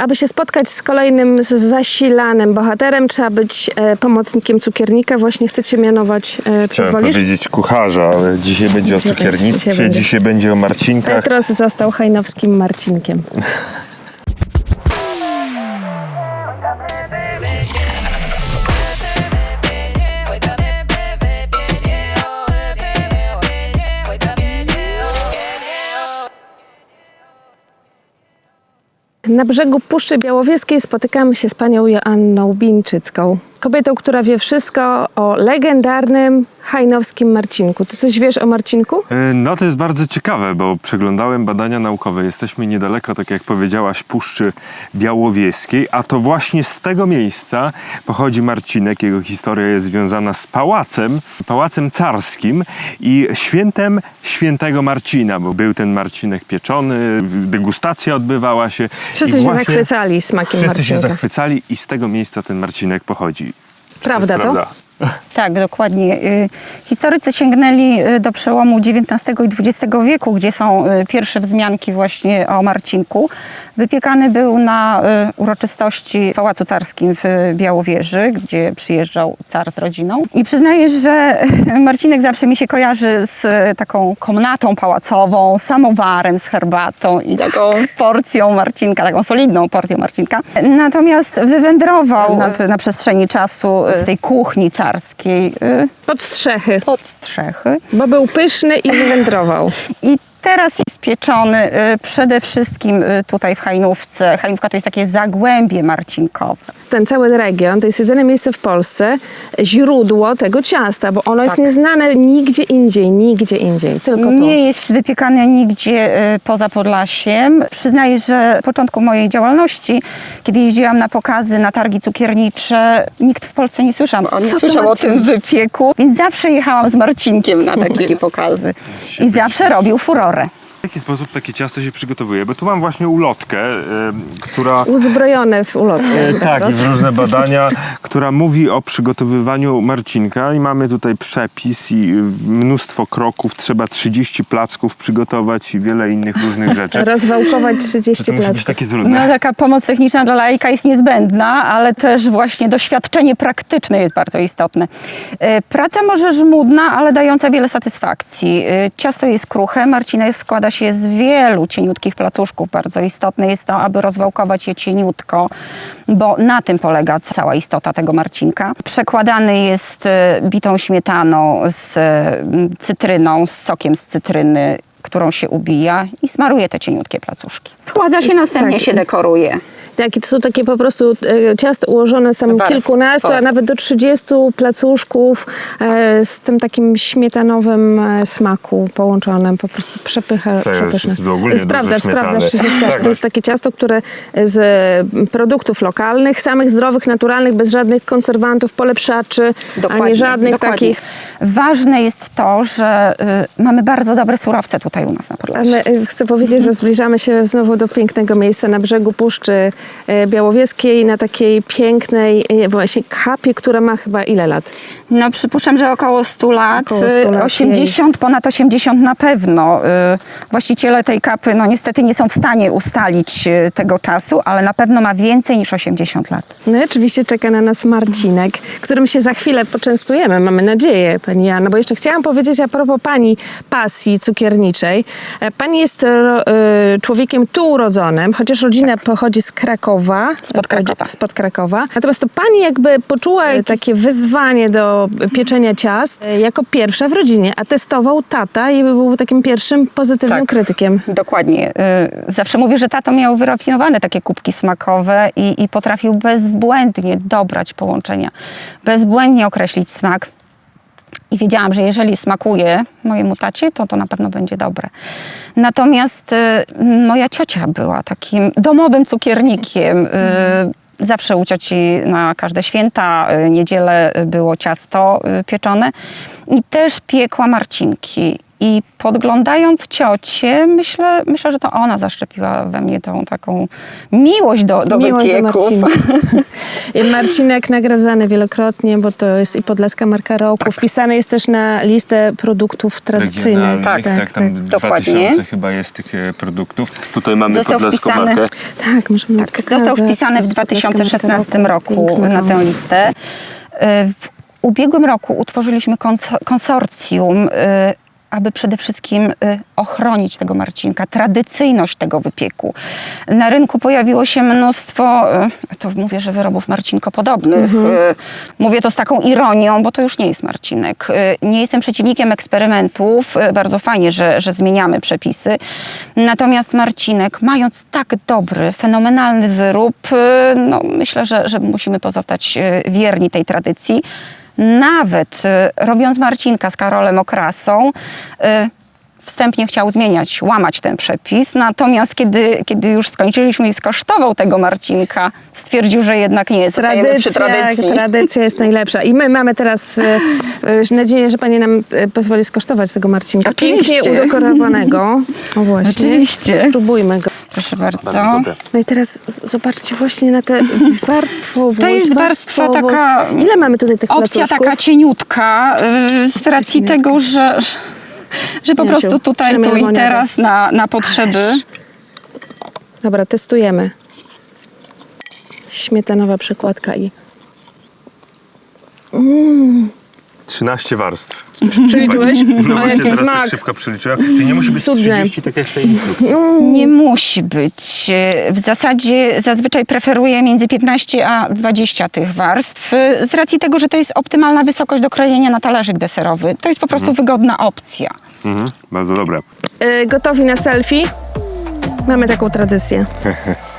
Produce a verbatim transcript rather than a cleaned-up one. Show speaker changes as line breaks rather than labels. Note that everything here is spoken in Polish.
aby się spotkać z kolejnym z zasilanym bohaterem, trzeba być e, pomocnikiem cukiernika. Właśnie chcecie mianować, e,
Chciałem
pozwolisz?
powiedzieć kucharza, ale dzisiaj będzie
Dzisiaj
o cukiernictwie,
będzie, dzisiaj będzie.
dzisiaj będzie o Marcinkach.
Petros został hajnowskim Marcinkiem. Na brzegu Puszczy Białowieskiej spotykamy się z panią Joanną Bińczycką. Kobietą, która wie wszystko o legendarnym hajnowskim Marcinku. Ty coś wiesz o Marcinku?
No to jest bardzo ciekawe, bo przeglądałem badania naukowe. Jesteśmy niedaleko, tak jak powiedziałaś, Puszczy Białowieskiej, a to właśnie z tego miejsca pochodzi Marcinek. Jego historia jest związana z pałacem, pałacem carskim i świętem świętego Marcina, bo był ten Marcinek pieczony, degustacja odbywała się.
Wszyscy
i
się
właśnie
zachwycali smakiem
Wszyscy
Marcinka.
się zachwycali i z tego miejsca ten Marcinek pochodzi.
Prawda to?
Prawda.
Tak, dokładnie. Historycy sięgnęli do przełomu dziewiętnastego i dwudziestego wieku, gdzie są pierwsze wzmianki właśnie o Marcinku. Wypiekany był na uroczystości w Pałacu Carskim w Białowieży, gdzie przyjeżdżał car z rodziną. I przyznaję, że Marcinek zawsze mi się kojarzy z taką komnatą pałacową, samowarem z herbatą i taką porcją Marcinka, taką solidną porcją Marcinka. Natomiast wywędrował na, na przestrzeni czasu z tej kuchni carskiej
Pod strzechy,
pod strzechy.
bo był pyszny i wywędrował.
I teraz jest pieczony y, przede wszystkim y, tutaj w Hajnówce. Hajnówka to jest takie zagłębie marcinkowe.
Ten cały region to jest jedyne miejsce w Polsce, źródło tego ciasta, bo ono jest
Tak.
nieznane nigdzie indziej, nigdzie indziej, tylko tu.
Nie jest wypiekane nigdzie y, poza Podlasiem. Przyznaję, że w początku mojej działalności, kiedy jeździłam na pokazy, na targi cukiernicze, nikt w Polsce nie słyszał, on nie
Co to
słyszał o
Marcin?
tym wypieku, więc zawsze jechałam z Marcinkiem na takie pokazy. I zawsze robił furorę.
W jaki sposób takie ciasto się przygotowuje? Bo tu mam właśnie ulotkę, y, która...
Uzbrojone w ulotkę.
E, tak, i w różne badania, która mówi o przygotowywaniu Marcinka i mamy tutaj przepis i mnóstwo kroków, trzeba trzydzieści placków przygotować i wiele innych różnych rzeczy.
Rozwałkować
Czy
trzydzieści
to musi być
placków.
takie
No,
trudne?
taka pomoc techniczna dla laika jest niezbędna, ale też właśnie doświadczenie praktyczne jest bardzo istotne. E, Praca może żmudna, ale dająca wiele satysfakcji. E, Ciasto jest kruche, marcinek składa się z wielu cieniutkich placuszków. Bardzo istotne jest to, aby rozwałkować je cieniutko, bo na tym polega cała istota tego marcinka. Przekładany jest e, bitą śmietaną z e, cytryną, z sokiem z cytryny, którą się ubija i smaruje te cieniutkie placuszki. Schładza się, następnie
Tak.
się dekoruje.
Tak, to są takie po prostu e, ciasto ułożone są
Warstwo.
kilkunastu, a nawet do trzydziestu placuszków e, z tym takim śmietanowym e, smaku połączonym. Po prostu przepycha,
To jest
przepyszne.
ogólnie dużo
Sprawdzasz,
śmietany.
sprawdzasz, czy się zgadza.
Tak.
To jest takie ciasto, które z e, produktów lokalnych, samych zdrowych, naturalnych, bez żadnych konserwantów, polepszaczy, a nie żadnych
dokładnie.
takich.
Ważne jest to, że y, mamy bardzo dobre surowce tutaj u nas na Podlasiu.
Ale e, chcę powiedzieć, że zbliżamy się znowu do pięknego miejsca na brzegu Puszczy e, Białowieskiej, na takiej pięknej e, właśnie kapie, która ma chyba ile lat?
No przypuszczam, że około stu lat,
Około stu lat,
osiemdziesiąt, ponad osiemdziesiąt na pewno. Y, Właściciele tej kapy no niestety nie są w stanie ustalić y, tego czasu, ale na pewno ma więcej niż osiemdziesiąt lat.
No i oczywiście czeka na nas Marcinek, którym się za chwilę poczęstujemy, mamy nadzieję, pani Joanno, bo jeszcze chciałam powiedzieć a propos pani pasji cukierniczej. E, Pani jest ro, e, człowiekiem tu urodzonym, chociaż rodzina pochodzi z Krakowa.
Spod Krakowa.
Spod Krakowa. Natomiast to pani jakby poczuła takie wyzwanie do pieczenia ciast e, jako pierwsza w rodzinie, a testował tata i był takim pierwszym pozytywnym
Tak.
krytykiem.
Dokładnie. Y, Zawsze mówię, że tato miał wyrafinowane takie kubki smakowe i, i potrafił bezbłędnie dobrać połączenia, bezbłędnie określić smak. I wiedziałam, że jeżeli smakuje mojemu tacie, to to na pewno będzie dobre. Natomiast y, moja ciocia była takim domowym cukiernikiem. Y, zawsze u cioci na każde święta, y, niedzielę było ciasto y, pieczone i też piekła marcinki. I podglądając ciocię, myślę, myślę, że to ona zaszczepiła we mnie tą taką miłość do, do
Miłość do
wypieków.
Marcina. I Marcinek nagradzany wielokrotnie, bo to jest i Podlaska Marka Roku. Wpisany jest też na listę produktów tradycyjnych.
Tak, tak, tam dwa
Dokładnie.
tysiące chyba jest tych e, produktów. Tutaj mamy
Został
podlaską
wpisany-
markę.
Tak, możemy
Tak, został wpisany w dwa tysiące szesnastym roku na tę listę. W ubiegłym roku utworzyliśmy kons- konsorcjum, y, aby przede wszystkim y, ochronić tego marcinka, tradycyjność tego wypieku. Na rynku pojawiło się mnóstwo, y, to mówię, że wyrobów marcinkopodobnych. Y, mówię to z taką ironią, bo to już nie jest marcinek. Y, nie jestem przeciwnikiem eksperymentów. Y, bardzo fajnie, że, że zmieniamy przepisy. Natomiast marcinek, mając tak dobry, fenomenalny wyrób, y, no, myślę, że, że musimy pozostać y, wierni tej tradycji. Nawet y, robiąc Marcinka z Karolem Okrasą, y, wstępnie chciał zmieniać, łamać ten przepis. Natomiast kiedy, kiedy już skończyliśmy i skosztował tego Marcinka, stwierdził, że jednak nie, zostajemy przy tradycji.
tradycja jest najlepsza. I my mamy teraz e, e, nadzieję, że pani nam e, pozwoli skosztować tego Marcinka.
Oczywiście.
Pięknie udekorowanego. O właśnie.
Oczywiście.
Spróbujmy go.
Proszę bardzo.
Bardzo dobre.
No i teraz zobaczcie właśnie na tę warstwowość.
To jest warstwa
warstwowość.
taka-
Ile mamy tutaj tych
Opcja
placuszków?
taka cieniutka, y, z racji
cieniutka.
tego, że, że po
Jasiu,
prostu tutaj, tu i
przemielmoniada.
teraz na, na potrzeby.
Dobra, testujemy. Śmietanowa przekładka i...
trzynaście warstw.
Przeliczyłeś?
No
A
właśnie,
jaki
teraz
smak.
tak szybko przeliczyłem. Czyli nie musi być
Cudne.
trzydzieści, tak jak w tej instrukcji.
Nie musi być. W zasadzie zazwyczaj preferuję między piętnaście a dwadzieścia tych warstw, z racji tego, że to jest optymalna wysokość do krojenia na talerzyk deserowy. To jest po prostu wygodna opcja.
Mhm, bardzo dobre.
Y, gotowi na selfie? Mamy taką tradycję.